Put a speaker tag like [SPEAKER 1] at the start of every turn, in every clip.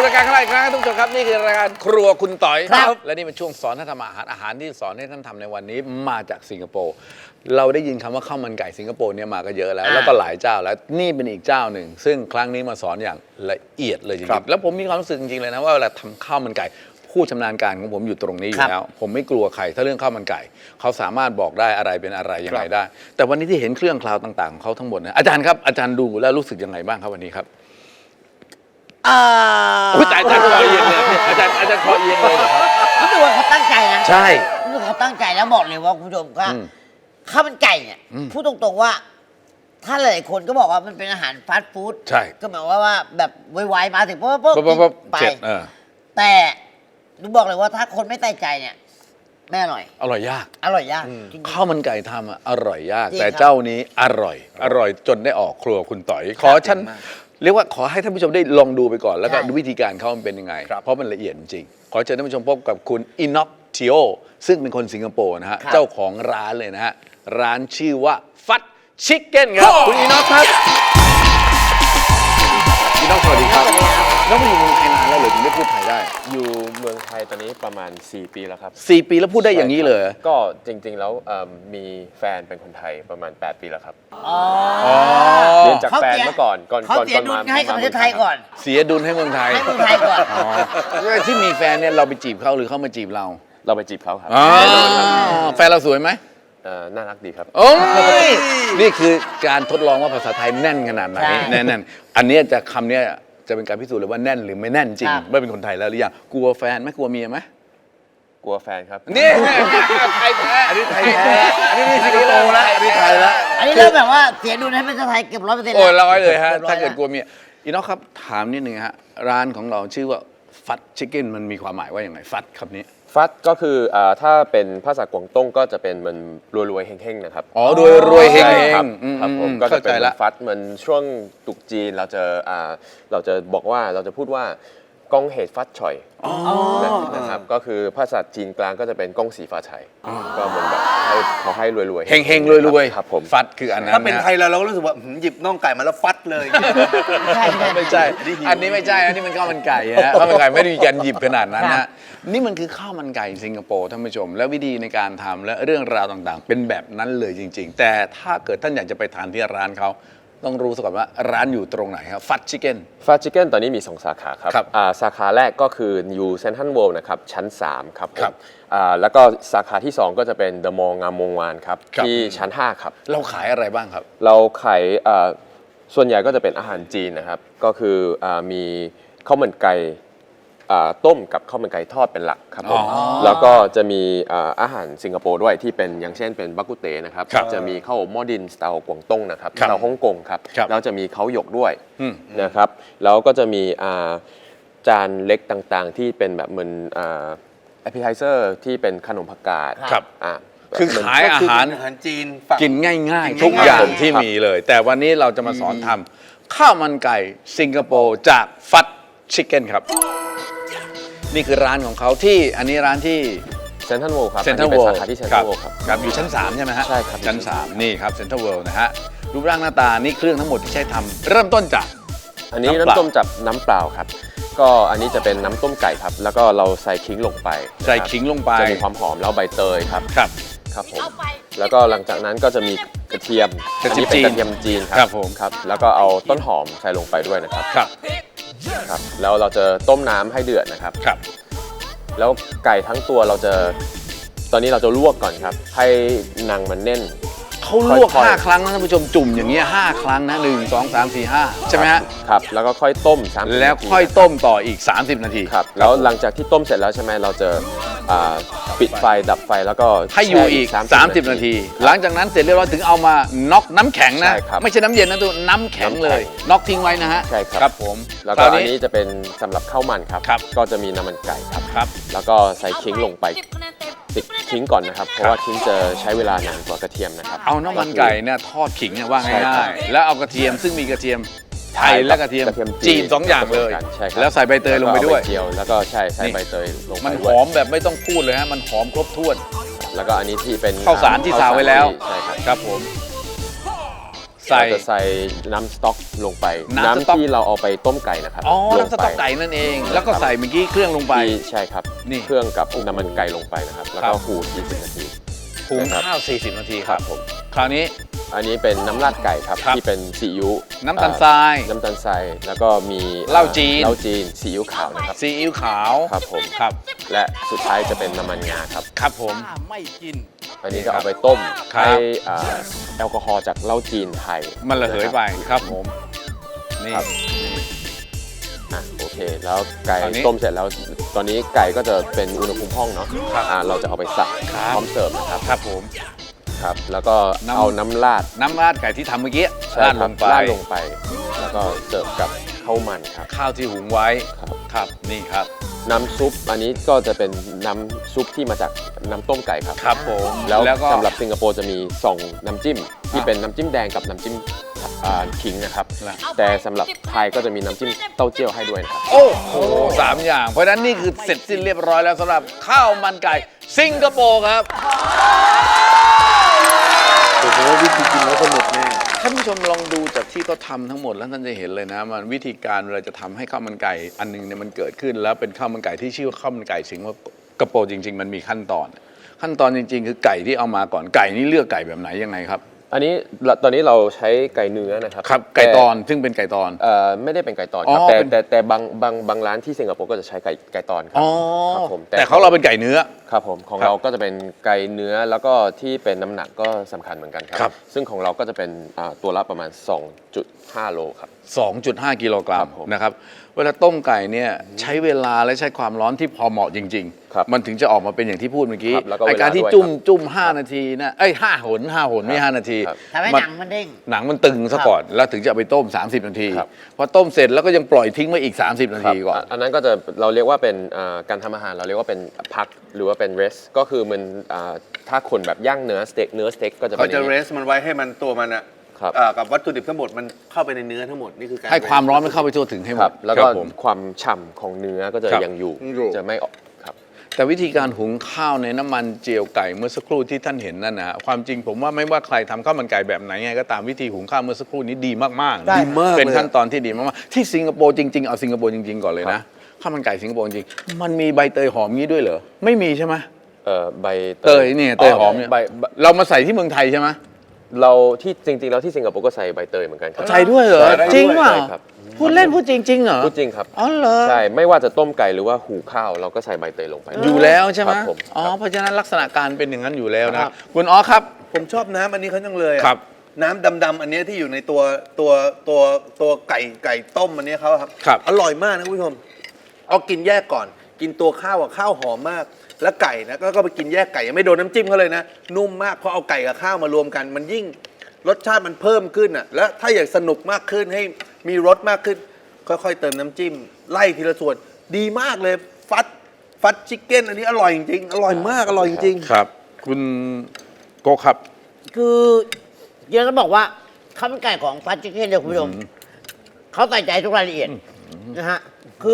[SPEAKER 1] รายการของเราอีกครั้งทุกท่านครับนี่คือรายการครัวคุณต่อย
[SPEAKER 2] ครับ
[SPEAKER 1] และนี่เป็นช่วงสอนท่านทำอาหารที่สอนให้ท่านทำในวันนี้มาจากสิงคโปร์เราได้ยินคำว่าข้าวมันไก่สิงคโปร์เนี่ยมาก็เยอะแล้วก็หลายเจ้าแล้วนี่เป็นอีกเจ้าหนึ่งซึ่งครั้งนี้มาสอนอย่างละเอียดเลยจริงๆแล้วผมมีความรู้สึกจริงๆเลยนะว่าเวลาทำข้าวมันไก่ผู้ชำนาญการของผมอยู่ตรงนี้อยู่แล้วผมไม่กลัวใครถ้าเรื่องข้าวมันไก่เขาสามารถบอกได้อะไรเป็นอะไรยังไงได้ แต่วันนี้ที่เห็นเครื่องคราวต่างๆของเขาทั้งหมดนะอาจารย์ครับอาจารย์ดูแล้วรู้สึกยังไงบ้างครับวันนี้ครับอุ้ยแต่อาจารย์คอเอียงเลยอาจารย์คอเอียงเลยเหรอครับ
[SPEAKER 2] รู้สึกว่าเขาตั้งใจนะ
[SPEAKER 1] ใช่
[SPEAKER 2] รู้สึกเขาตั้งใจแล้วบอกเลยว่าคุณผู้ชมว่าข้าวมันไก่เนี่ยพูดตรงๆว่า ถ้าหลายคนก็บอกว่ามันเป็นอาหารฟาสต์ฟู้ด
[SPEAKER 1] ใช่
[SPEAKER 2] ก็หมายว่าแบบไวๆมาถึงปุ๊บไป
[SPEAKER 1] เจ็ด
[SPEAKER 2] แต่ดูบอกเลยว่าถ้าคนไม่ใส่ใจเนี่ยไม่อร่อย
[SPEAKER 1] อร่อยยาก
[SPEAKER 2] อร่อยยากจริงๆ
[SPEAKER 1] ข้าวมันไก่ทำอะอร่อยยาก
[SPEAKER 2] จริง
[SPEAKER 1] แต่
[SPEAKER 2] ครับ
[SPEAKER 1] เจ้านี้อร่อยจนได้ออกครัวคุณต่อยขอฉันเรียกว่าขอให้ท่านผู้ชมได้ลองดูไปก่อนแล้วก็ดูวิธีการเขามันเป็นยังไงเพราะมันละเอียดจริงขอเชิญท่านผู้ชมพบกับคุณอิน o อกทิโอซึ่งเป็นคนสิงคโปร์นะฮะเจ้าของร้านเลยนะฮะร้านชื่อว่าฟัดชิคเก้นครับคุณอิน o อกครับอิน o อกสวัสดีครับน้องมาอยู่เมืองไทยนานแล้วเหรือถึงได้พูดไทยได้
[SPEAKER 3] อยู่เมืองไทยตอนนี้ประมาณ 4 ปีแล้วครับ
[SPEAKER 1] 4 ปีแล้วพูดได้อย่างนี้เลย
[SPEAKER 3] ก็จริงๆแล้วมีแฟนเป็นคนไทยประมาณ 8 ปีแล้วครับ เรียนจากแฟนเมื่อก่อน
[SPEAKER 2] เขาเสียดุลให้กับประเทศไทยก่อน
[SPEAKER 1] เสียดุลให้เมืองไทย
[SPEAKER 2] ให้เมืองไทยก่อน
[SPEAKER 1] ที่มีแฟนเนี่ยเราไปจีบเขาหรือเขามาจีบเรา
[SPEAKER 3] เราไปจีบเขาครับ
[SPEAKER 1] แฟนเราสวยไหม
[SPEAKER 3] น่ารักดีครับ
[SPEAKER 1] โอ้ยนี่คือการทดลองว่าภาษาไทยแน่นขนาดไหนแน่นอันนี้จะคำนี้จะเป็นการพิสูจน์เลยว่าแน่นหรือไม่แน่นจริงไม่เป็นคนไทยแล้วหรือยังกลัวแฟนไหมกลัวเมียไหม
[SPEAKER 3] กลัวแฟนครับ
[SPEAKER 1] นี่ไทยแท้อันนี้ไทยแท้อันนี้สิงคโปร์แล้วอันนี้ไทยแล้ว
[SPEAKER 2] อันนี้เริ่มแบบว่าเสียดุลให้ประเทศไทยเกือบ100%
[SPEAKER 1] โอ้100เลยฮะถ้าเกิดกลัวเมียอีน้องครับถามนิดนึงฮะร้านของเราชื่อว่าฟัดชิคเก้นมันมีความหมายว่าอย่างไรฟัดคำนี้
[SPEAKER 3] ฟัดก็คือถ้าเป็นภาษากวางตุ้งก็จะเป็นมันรวยๆเฮงๆนะครับ
[SPEAKER 1] อ๋อรวยเฮง
[SPEAKER 3] ครับผมก็จะเป็น
[SPEAKER 1] ละ
[SPEAKER 3] ฟัดเหมือนช่วงตรุษจีนเราจะบอกว่าเราจะพูดว่ากงเหตุฟัดฉ่อยนะครับก็คือภาษาจีนกลางก็จะเป็นกงสีฟ้าชัยก็เหมือนแบบขอให้รวยๆ
[SPEAKER 1] เฮงรวย
[SPEAKER 3] ครับผม
[SPEAKER 1] ฟัดคืออันนั้น
[SPEAKER 4] ถ้าเป็นไทยเราก็รู้สึกว่าหยิบน่องไก่มาแล้วฟัดเลย
[SPEAKER 1] ไม่ใช่อันนี้ไม่ใช่อันนี้มันข้าวมันไก่ฮะข้าวมันไก่ไม่ได้มีการหยิบขนาดนั้นนะนี่มันคือข้าวมันไก่สิงคโปร์ท่านผู้ชมและวิธีในการทำและเรื่องราวต่างๆ เป็นแบบนั้นเลยจริง ๆ แต่ถ้าเกิดท่านอยากจะไปทานที่ร้านเขาต้องรู้ซะก่อนว่าร้านอยู่ตรงไหนครับฟัดชิคเก้น
[SPEAKER 3] ฟัดชิคเก้นตอนนี้มี 2 สาขาครับ
[SPEAKER 1] ครับ
[SPEAKER 3] สาขาแรกก็คืออยู่เซ็นทรัลเวิลด์นะครับชั้น 3 ครับ
[SPEAKER 1] ครับ
[SPEAKER 3] แล้วก็สาขาที่ 2 ก็จะเป็นเดอะมอลล์งามวงวานครับ
[SPEAKER 1] ครับ
[SPEAKER 3] ที่ชั้น 5 ครับ
[SPEAKER 1] เราขายอะไรบ้างครับ
[SPEAKER 3] เราขายส่วนใหญ่ก็จะเป็นอาหารจีนนะครับ ก็คือมีข้าวมันไก่ต้มกับข้าวมันไก่ทอดเป็นหลักครับผมแล้วก็จะมีอาหารสิงคโปร์ด้วยที่เป็นอย่างเช่นเป็นบักกุเตนะครับ จะมีข้าวหม้อดินสไตล์กวางตุ้งนะครับสไตล์ฮ่องกงครับแล้วจะมีข้าวหยกด้วยนะครับแล้วก็จะมีจานเล็กต่างๆ ที่เป็นแบบเหมือนappetizer ที่เป็นขนมผักกาด
[SPEAKER 1] ครับคือขายอาหาร
[SPEAKER 4] จีน
[SPEAKER 1] กินง่ายๆ ทุกอย่างที่มีเลย แต่วันนี้เราจะมาสอนทำข้าวมันไก่สิงคโปร์จากฟัดชิคเก้นครับ นี่คือร้านของเขาที่อันนี้ร้านที่
[SPEAKER 3] เซ็นทรัลเวิลด์ครับ
[SPEAKER 1] เซ็นทรัล
[SPEAKER 3] เป็
[SPEAKER 1] เวิ
[SPEAKER 3] น
[SPEAKER 1] ล
[SPEAKER 3] สา
[SPEAKER 1] ด์
[SPEAKER 3] ขาที่เซ็นทรัลเวิลด์ครับ
[SPEAKER 1] ครับอยู่ชั้น 3 ใช่ไหมฮะ
[SPEAKER 3] ใช่ครับ
[SPEAKER 1] ชั้น 3 นี่ครับเซ็นทรัลเวิลด์นะฮะรูปร่างหน้าตานี่เครื่องทั้งหมดที่ใช้ทำเริ่มต้นจาก
[SPEAKER 3] อันนี้
[SPEAKER 1] น้ำเปล่า
[SPEAKER 3] น้ำต้มจากน้ำเปล่าครับก็อันนี้จะเป็นน้ำต้มไก่ครับแล้วก็เราใส่ขิงลงไป
[SPEAKER 1] ใส่ขิงลงไป
[SPEAKER 3] จะมีความหอมแล้วใบเตยครับ
[SPEAKER 1] ครับ
[SPEAKER 3] ครับผมแล้วก็หลังจากนั้นก็จะมีกระเทียม
[SPEAKER 1] กระเทียม
[SPEAKER 3] อันนี้เป็น
[SPEAKER 1] จีน
[SPEAKER 3] กระเทียมจีน
[SPEAKER 1] ครับผม
[SPEAKER 3] ครับแล้วก็เอาต้นหอมใส่ลงไปด้วยนะครับ
[SPEAKER 1] ครับ
[SPEAKER 3] ครับแล้วเราจะต้มน้ำให้เดือดนะครับ
[SPEAKER 1] ครับ
[SPEAKER 3] แล้วไก่ทั้งตัวตอนนี้เราจะลวกก่อนครับให้หนังมันแน่น
[SPEAKER 1] เขาลวก
[SPEAKER 3] ค่อยๆ
[SPEAKER 1] 5 ครั้งนะท่านผู้ชมจุ่มอย่างเงี้ย5 ครั้งนะ1 2 3 4 5ใช่ไหมฮะ
[SPEAKER 3] ครับแล้วก็ค่อยต้ม30
[SPEAKER 1] แล้ว
[SPEAKER 3] นาที
[SPEAKER 1] ค่อยต้มต่ออีก 30 นาที
[SPEAKER 3] ครับแล้วหลังจากที่ต้มเสร็จแล้วใช่ไหมเราจะปิดไฟดับไฟแล้วก็
[SPEAKER 1] ให้อยู่อีก
[SPEAKER 3] แช่
[SPEAKER 1] 30 นาที หลังจากนั้นเสร็จเรียบร้อยถึงเอามาน็อกน้ำแข็งนะ
[SPEAKER 3] ใช่ครับ
[SPEAKER 1] ไม่ใช่น้ำเย็นนะตัวน้ำแข็งเลยน็อกทิ้งไว้นะฮะ
[SPEAKER 3] ใช่ครับ
[SPEAKER 1] ครับผม
[SPEAKER 3] แล้ว
[SPEAKER 1] ค
[SPEAKER 3] ก็
[SPEAKER 1] ราว
[SPEAKER 3] อันนี้จะเป็นสำหรับข้าวมันครับ
[SPEAKER 1] ครับ
[SPEAKER 3] ก็จะมีน้ำมันไก่ครับ
[SPEAKER 1] ครับ
[SPEAKER 3] แล้วก็ใส่ขิงลงไปติดขิงก่อนนะครับ เพราะว่าขิงจะใช้เวลานานกว่ากระเทียมนะครับ
[SPEAKER 1] เอาน้ำมันไก่เนี่ยทอดขิงเนี่ยว่า
[SPEAKER 3] ใช่ครั
[SPEAKER 1] ง่า
[SPEAKER 3] บ
[SPEAKER 1] ยๆแล้วเอากระเทียมซึ่งมีกระเทียมไทยและกระเทียมจีน2 อย่างเลย
[SPEAKER 3] ใช่ครับ
[SPEAKER 1] แล้วใส่ใบเตยลงไปด้วย
[SPEAKER 3] แก็เอาใบเจียวแล้วก็ใส่ใบเตยลงไป
[SPEAKER 1] มันห
[SPEAKER 3] ด้วย
[SPEAKER 1] อมแบบไม่ต้องพูดเลยฮะมันหอมครบถ้วน
[SPEAKER 3] แล้วก็อันนี้ที่เป็น
[SPEAKER 1] ข้าวสารที่ซาวไว้แล้ว
[SPEAKER 3] ใช่ครับ
[SPEAKER 1] ครับผมใส่
[SPEAKER 3] เราจะใส่น้ำสต๊อกลงไป
[SPEAKER 1] น้ำสต๊อก
[SPEAKER 3] ที่เราเอาไปต้มไก่นะครับ
[SPEAKER 1] อ๋อ
[SPEAKER 3] ล
[SPEAKER 1] น้ำ
[SPEAKER 3] ง
[SPEAKER 1] ส
[SPEAKER 3] ไป
[SPEAKER 1] ต๊อกไก่นั่นเอง แล้วก็ใส่เมื่อกี้เครื่องลงไป
[SPEAKER 3] ใช่ครับ
[SPEAKER 1] นี่
[SPEAKER 3] เครื่องกับน้ำมันไก่ลงไปนะครับ แล้ว
[SPEAKER 1] ครั
[SPEAKER 3] ก็
[SPEAKER 1] บ
[SPEAKER 3] ขูด20 นาที
[SPEAKER 1] หุง
[SPEAKER 3] นะครับ
[SPEAKER 1] ข้าว 40 นาที
[SPEAKER 3] ครับผม
[SPEAKER 1] คราวนี้
[SPEAKER 3] อันนี้เป็นน้ำราดไก่ครับ
[SPEAKER 1] ครับ
[SPEAKER 3] ที่เป็นซีอิ๊ว
[SPEAKER 1] น้ำตาลทราย
[SPEAKER 3] น้ำตาลทรายแล้วก็มี
[SPEAKER 1] เหล้าจีน
[SPEAKER 3] เหล้าจีนซีอิ๊วขาวนะครับ
[SPEAKER 1] ซีอิ๊วขาว
[SPEAKER 3] ครับผม
[SPEAKER 1] ครับ
[SPEAKER 3] และสุดท้ายจะเป็นน้ำมันงาครับ
[SPEAKER 1] ครับผม
[SPEAKER 4] ไม่กิน
[SPEAKER 3] อันนี้จะเอาไปต้ม
[SPEAKER 1] ครับ
[SPEAKER 3] ให้แอลกอฮอล์จากเหล้าจีนไทย
[SPEAKER 1] มันระเหยไปครับผม นี่
[SPEAKER 3] ครับโอเค แล้วไก่
[SPEAKER 1] ตอนนี้
[SPEAKER 3] ต้มเสร็จแล้ว ตอนนี้ไก่ก็จะเป็นอุณหภูมิห้องเนาะ
[SPEAKER 1] ครับ
[SPEAKER 3] เราจะเอาไปสับ
[SPEAKER 1] ครับ
[SPEAKER 3] พร้อมเสิร์ฟนะครับ
[SPEAKER 1] ครับผม
[SPEAKER 3] ครับ แล้วก็
[SPEAKER 1] น้ำ
[SPEAKER 3] เอาน้ำราด
[SPEAKER 1] น้ำราดไก่ที่ทำเมื่อกี้
[SPEAKER 3] ใช่
[SPEAKER 1] ราด
[SPEAKER 3] ค
[SPEAKER 1] ล
[SPEAKER 3] รับ
[SPEAKER 1] งไป
[SPEAKER 3] ราดลงไป แล้วก็เสิร์ฟกับข้าวมันครับ
[SPEAKER 1] ข้าวที่หุงไว้
[SPEAKER 3] ครับ
[SPEAKER 1] ครับ นี่ครับ
[SPEAKER 3] น้ำซุปอันนี้ก็จะเป็นน้ำซุปที่มาจากน้ำต้มไก่ครับ
[SPEAKER 1] ครับผม
[SPEAKER 3] แล้ว
[SPEAKER 1] ก็
[SPEAKER 3] สำหรับสิงคโปร์จะมี2น้ำจิ้มที่เป็นน้ำจิ้มแดงกับน้ำจิ้มขิงนะครับ
[SPEAKER 1] แล้ว
[SPEAKER 3] แต่สำหรับไทยก็จะมีน้ำจิ้มเต้าเจี้ยวให้ด้วยนะครับ
[SPEAKER 1] โอ้โห3 อย่าง เพราะฉะนั้นนี่คือเสร็จสิ้นเรียบร้อยแล้วสำหรับข้าวมันไก่สิงคโปร์ครับ
[SPEAKER 4] ผมว่าวิธีกินแล้วสนุกแน่
[SPEAKER 1] ท่านผู้ชมลองดูจากที่เขาทำทั้งหมดแล้วท่านจะเห็นเลยนะมันวิธีการเราจะทำให้ข้าวมันไก่อันหนึงเนี่ยมันเกิดขึ้น แล้วเป็นข้าวมันไก่ที่ชื่อว่าข้าวมันไก่สิงคโปร์จริง ๆ มันมีขั้นตอน ขั้นตอนจริง ๆ คือไก่ที่เอามาก่อนไก่นี่เลือกไก่แบบไหนยังไงครับ
[SPEAKER 3] อันนี้ตอนนี้เราใช้ไก่เนื้อนะครับ
[SPEAKER 1] ครับไก่ตอนซึ่งเป็นไก่ตอน
[SPEAKER 3] ไม่ได้เป็นไก่ตอน
[SPEAKER 1] อ๋อ
[SPEAKER 3] ครับ
[SPEAKER 1] เป็น
[SPEAKER 3] แต่บางร้านที่สิงคโปร์ก็จะใช้ไก่ตอนครั
[SPEAKER 1] อ๋อ
[SPEAKER 3] ครับผม
[SPEAKER 1] แต่เขาเราเป็นไก่เนื้อ
[SPEAKER 3] ครับผมของ
[SPEAKER 1] ครับ
[SPEAKER 3] เราก็จะเป็นไก่เนื้อแล้วก็ที่เป็นน้ำหนักก็สำคัญเหมือนกันค
[SPEAKER 1] ครั
[SPEAKER 3] รับ ซึ่งของเราก็จะเป็นตัวละประมาณ 2.5 โลครับ
[SPEAKER 1] 2.5 กิโลกรั
[SPEAKER 3] ครั
[SPEAKER 1] ม
[SPEAKER 3] บผม
[SPEAKER 1] นะครับเวลาต้มไก่เนี่ยใช้เวลาและใช้ความร้อนที่พอเหมาะจริง
[SPEAKER 3] ครับ
[SPEAKER 1] มันถึงจะออกมาเป็นอย่างที่พูดเมื่อกี้
[SPEAKER 3] ครับแล้วก็
[SPEAKER 1] ไอการที่
[SPEAKER 3] เวลาด้วย
[SPEAKER 1] จุ่ม5 นาทีนะ5 หนไม่ 5 นาที
[SPEAKER 3] ครับ
[SPEAKER 2] ทำให้หนังมันเด้ง
[SPEAKER 1] หนังมันตึงซะก่อนแล้วถึงจะเอาไปต้ม 30 นาที
[SPEAKER 3] ครับ
[SPEAKER 1] พอต้มเสร็จแล้วก็ยังปล่อยทิ้งไว้อีก 30 นาทีก่อน
[SPEAKER 3] อันนั้นก็จะเราเรียกว่าเป็นการทำอาหารเราเรียกว่าเป็นพักหรือว่าเป็น rest ก็คือมันถ้าคนแบบย่างเนื้อสเต็กก็จะ
[SPEAKER 4] เขา
[SPEAKER 3] เป็นอ
[SPEAKER 4] จะ
[SPEAKER 3] ย่าง
[SPEAKER 4] เร
[SPEAKER 3] นี้
[SPEAKER 4] สมันไว้ให้มันตัวมันอะ
[SPEAKER 3] ครับ
[SPEAKER 4] กับวัตถุดิบทั้งหมดมันเข้าไปในเนื้อทั้งหมดนี่คือการ
[SPEAKER 1] ให้ความร้อนมันเข้าไปทั่วถึงให้หม
[SPEAKER 3] ครั
[SPEAKER 1] ด
[SPEAKER 3] บแล้ว
[SPEAKER 1] ค
[SPEAKER 3] ก็
[SPEAKER 1] รับผม
[SPEAKER 3] ความฉ่ำของเนื้อก็จะ
[SPEAKER 1] ครับ
[SPEAKER 3] ยังอยู่
[SPEAKER 4] อยู่
[SPEAKER 3] จะไม่ออกครับ
[SPEAKER 1] แต่วิธีการหุงข้าวในน้ำมันเจียวไก่เมื่อสักครู่ที่ท่านเห็นนั่นนะฮะความจริงผมว่าไม่ว่าใครทำข้าวมันไก่แบบไหนไงก็ตามวิธีหุงข้าวเมื่อสักครู่นี้ดีมากๆนะ
[SPEAKER 4] ดีมาก
[SPEAKER 1] เป็น
[SPEAKER 4] เลย
[SPEAKER 1] ขั้นตอนที่ดีมากๆที่สิงคโปร์จริงๆเอาสิงคโปร์จริงๆก่อนเลยนะข้าวมันไก่สิงคโปร์จริงๆมันมีใบเตยหอมงี้ด้วยเหรอไม่มีใช่ไหม
[SPEAKER 3] ใบ
[SPEAKER 1] เตยเนี่ยเตยหอมเนี่ย
[SPEAKER 3] ใบ
[SPEAKER 1] เรามาใส่ที่เมืองไทยใช่ไหม
[SPEAKER 3] เราที่จริงๆแล้วที่สิงคโปร์ก็ใส่ใบเตยเหมือนกันครับ
[SPEAKER 1] ใส่ด้วยเหรอ
[SPEAKER 4] ใส่ได้ด้วย
[SPEAKER 1] จริงเปล่า
[SPEAKER 3] ใช่ครับ
[SPEAKER 1] พูดเล่นพูดจริงๆเหรอ
[SPEAKER 3] พูดจริงครับ
[SPEAKER 1] อ๋อเหรอ
[SPEAKER 3] ใช่ไม่ว่าจะต้มไก่หรือว่าหูข้าวเราก็ใส่ใบเตยลงไป
[SPEAKER 1] อยู่แล้วใช่ไหม
[SPEAKER 3] ครับผม
[SPEAKER 1] อ๋อ
[SPEAKER 3] ครับ
[SPEAKER 1] เพราะฉะนั้นลักษณะการเป็นอย่างนั้นอยู่แล้ว
[SPEAKER 3] ค
[SPEAKER 1] นะ
[SPEAKER 3] รับ
[SPEAKER 1] คุณอ๋อครับ
[SPEAKER 4] ผมชอบน้ำอันนี้เขาจังเลยอะ
[SPEAKER 1] ครับ
[SPEAKER 4] น้ำดำๆอันเนี้ยที่อยู่ในตัวไก่ต้มอันเนี้ยเขาครับ
[SPEAKER 1] ครับ
[SPEAKER 4] อร่อยมากนะคุณผู้ชมเอากินแยกก่อน กินตัวข้าวกับข้าวหอมมาก แล้วไก่นะก็ไปกินแยกไก่ยังไม่โดนน้ำจิ้มเขาเลยนะนุ่มมากพอเอาไก่กับข้าวมารวมกัน มันยิ่งรสชาติมันเพิ่มขึ้นอ่ะแล้วถ้าอยากสนุกมากขึ้นให้มีรสมากขึ้น ค่อยๆเติมน้ำจิ้ม ไล่ทีละส่วนดีมากเลยฟัดชิคเก้นอันนี้อร่อยจริงๆอร่อยมากอร่อยจริงๆ
[SPEAKER 1] ครับ คุณโกครับ
[SPEAKER 2] คือเดี๋ยวต้องบอกว่าข้าวมันไก่ของฟัดชิคเก้นเนี่ยคุณผู้ชมเขาใส่ใจทุกรายละเอียดนะฮะคือ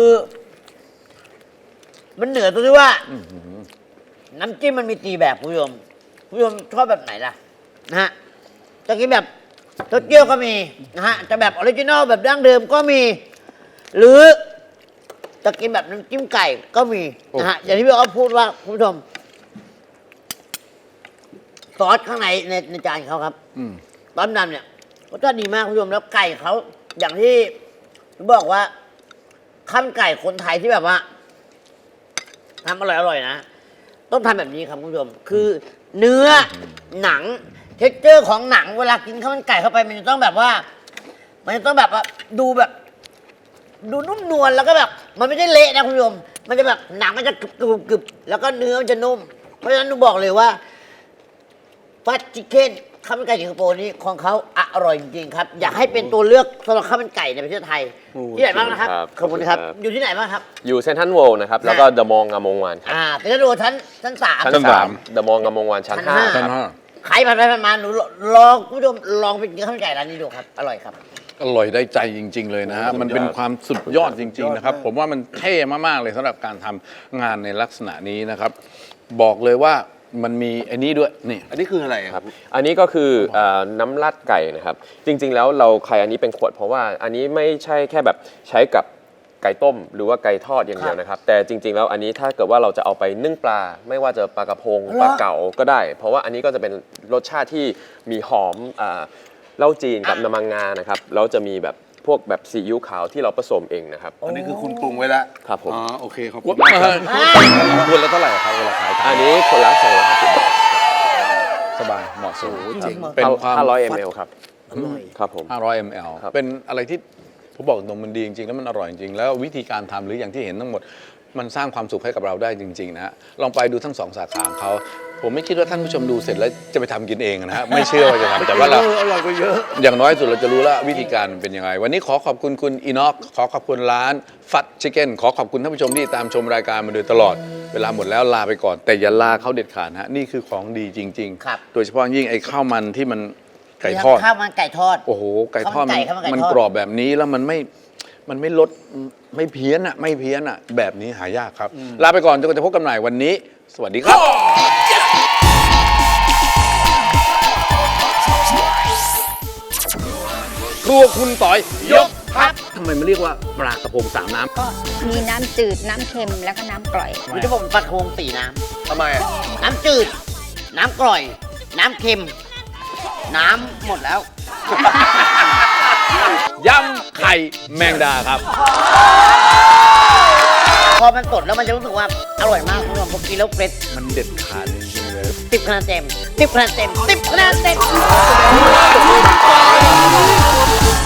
[SPEAKER 2] มันเหนือตรงที่ว่าน้ำจิ้มมันมีตีแบบคุณผู้ชมชอบแบบไหนล่ะนะฮะจะกินแบบเต้าเจี้ยวก็มีนะฮะจะแบบออริจินอลแบบดั้งเดิมก็มี หรือจะกินแบบน้ำจิ้มไก่ก็มีนะฮะอย่างที่พี่อ๊อฟพูดว่าคุณผู้ชมซอสข้างในจานเขาครับ
[SPEAKER 1] อืม
[SPEAKER 2] ต้มดำเนี่ยรสชาติดีมากคุณผู้ชมแล้วไก่เขาอย่างที่บอกว่าข้าวมันไก่คนไทยที่แบบว่าทำอร่อยๆนะ ต้องทำแบบนี้ครับคุณผู้ชม คือเนื้อหนังเท็กเจอร์ของหนังเวลากินข้าวมันไก่เข้าไปมันจะต้องแบบว่า มันจะต้องแบบว่าดูแบบ ดูนุ่มนวลแล้วก็แบบ มันไม่ได้เละนะคุณผู้ชม มันจะแบบหนังมันจะกรึบแล้วก็เนื้อมันจะนุ่ม เพราะฉะนั้นหนูบอกเลยว่าฟัดชิคเก้นข้าวมันไก่สิงคโปร์นี่ของเขาอร่อยจริงๆครับ อยากให้เป็นตัวเลือกสำหรับข้าวมันไก่ในประเทศไทย ที่ไหนบ้างนะครับ ขอบคุณครับ อยู่ที่ไหนบ้างครับ
[SPEAKER 3] อยู่เซนทรัลเวิลด์นะครับแล้วก็เดอะมองงามวงวานครับ
[SPEAKER 2] เป็นกระโดดชั้นสาม
[SPEAKER 1] ชั้นสาม
[SPEAKER 3] เดอะมองงามวงวานชั้น
[SPEAKER 2] ชั้น
[SPEAKER 3] 5
[SPEAKER 2] ห้า
[SPEAKER 3] ครับ
[SPEAKER 2] ใครผ่านไปผ่านมาหนูลองคุณผู้ชมลองไปกินข้าวมันไก่ร้านนี้ดูครับ อร่อยครับ
[SPEAKER 1] อร่อยได้ใจจริง ๆ เลยนะฮะ
[SPEAKER 3] สุดยอด
[SPEAKER 1] มันเป็นความสุดยอดจริง ๆ นะครับ ผมว่ามันเท่มาก ๆ เลยสำหรับการทำงานในลักษณะนี้นะครับ บอกเลยว่ามันมีไอ้นี้ด้วยนี่
[SPEAKER 4] อันนี้คืออะไรอะ
[SPEAKER 3] ครับอันนี้ก็คือน้ำราดไก่นะครับ จริงๆแล้วเราขายอันนี้เป็นขวดเพราะว่าอันนี้ไม่ใช่แค่แบบใช้กับไก่ต้มหรือว่าไก่ทอดอย่างเดียวนะครับ แต่จริงๆแล้วอันนี้ถ้าเกิดว่าเราจะเอาไปนึ่งปลา ไม่ว่าจะปลากระพงปลาเก๋าก็ได้ เพราะว่าอันนี้ก็จะเป็นรสชาติที่มีหอมเหล้าจีนกับน้ำมันงานะครับแล้วจะมีแบบพวกแบบซีอิ๊วขาวที่เราผสมเองนะครับ
[SPEAKER 4] อันนี้คือคุณปรุงไว้แล้ว
[SPEAKER 3] ครับผม
[SPEAKER 4] อ๋อโอเคขอบ
[SPEAKER 1] ข
[SPEAKER 4] คุ
[SPEAKER 1] ว
[SPEAKER 4] ณ
[SPEAKER 1] ด
[SPEAKER 4] มากครับ
[SPEAKER 1] คนละเท่าไหร่ครับเวลาขาย
[SPEAKER 3] อันนี้คนละ250 บาท
[SPEAKER 1] สบายเหมาะสม
[SPEAKER 2] จริง
[SPEAKER 1] เป็นความ
[SPEAKER 3] 500 ml ครับ
[SPEAKER 2] อร่อย
[SPEAKER 3] ครับผม
[SPEAKER 1] 500 ml
[SPEAKER 3] ครับ
[SPEAKER 1] เป็นอะไรที่ผมบอกตรงมันดีจริงๆแล้วมันอร่อยจริงๆแล้ววิธีการทำหรืออย่างที่เห็นทั้งหมด มันสร้างความสุขให้กับเราได้จริงๆนะฮะลองไปดูทั้ง2 สาขาของเขาผมไม่คิดว่าท่านผู้ชมดูเสร็จแล้วจะไปทำกินเองนะฮะไม่เชื่อว่าจะทำแต่ว่าเรา
[SPEAKER 4] อร่อยกว่าเยอะ
[SPEAKER 1] อย่างน้อยสุดเราจะรู้แล้ววิธีการมันเป็นยังไง วันนี้ขอขอบคุณคุณอีน็อกขอขอบคุณร้านฟัดชิคเก้นขอขอบคุณท่านผู้ชมที่ตามชมรายการมาโดยตลอด เวลาหมดแล้วลาไปก่อน แต่อย่าลาเขาเด็ดขาดนะฮะนี่คือของดีจริง
[SPEAKER 2] ครับ
[SPEAKER 1] ๆ โดยเฉพาะยิ่งไอ้ข้าวมันที่มันไก่ทอด
[SPEAKER 2] ข้าวมันไก่ทอด
[SPEAKER 1] โอ้โหไก่ทอด
[SPEAKER 2] ข้าวมันไก่
[SPEAKER 1] มัน
[SPEAKER 2] ทอด
[SPEAKER 1] กรอบแบบนี้แล้วมันไม่ลดไม่เพี้ยนอ่ะไม่เพี้ยนอ่ะแบบนี้หายากครับ ลาไปก่อนจนกว่าจะพบกันใหม่วันนี้ สวัสดีครับครัวคุณต่อยยกครับทำไมมันเรียกว่าปลากระพงสามน้ำ
[SPEAKER 5] ก็มีน้ำจืด น้ำเค็ม แล้วก็น้ำกร่อย
[SPEAKER 2] มีที่ผมปัดโคง4 น้
[SPEAKER 4] ทำไมอะ
[SPEAKER 2] ำ น้ำจืด น้ำกร่อย น้ำเค็ม น้ำหมดแล้ว
[SPEAKER 1] ยำไข่แมงดาครับ
[SPEAKER 2] พอมันสดแล้วมันจะรู้สึกว่าอร่อยมากคุณผู้ชมพอกินแล้วเฟรช
[SPEAKER 1] มันเด็ดขาดจริงๆเลย
[SPEAKER 2] 10 คะแนนเต็ม 10 คะแนนเต็ม 10 คะแนนเต็ม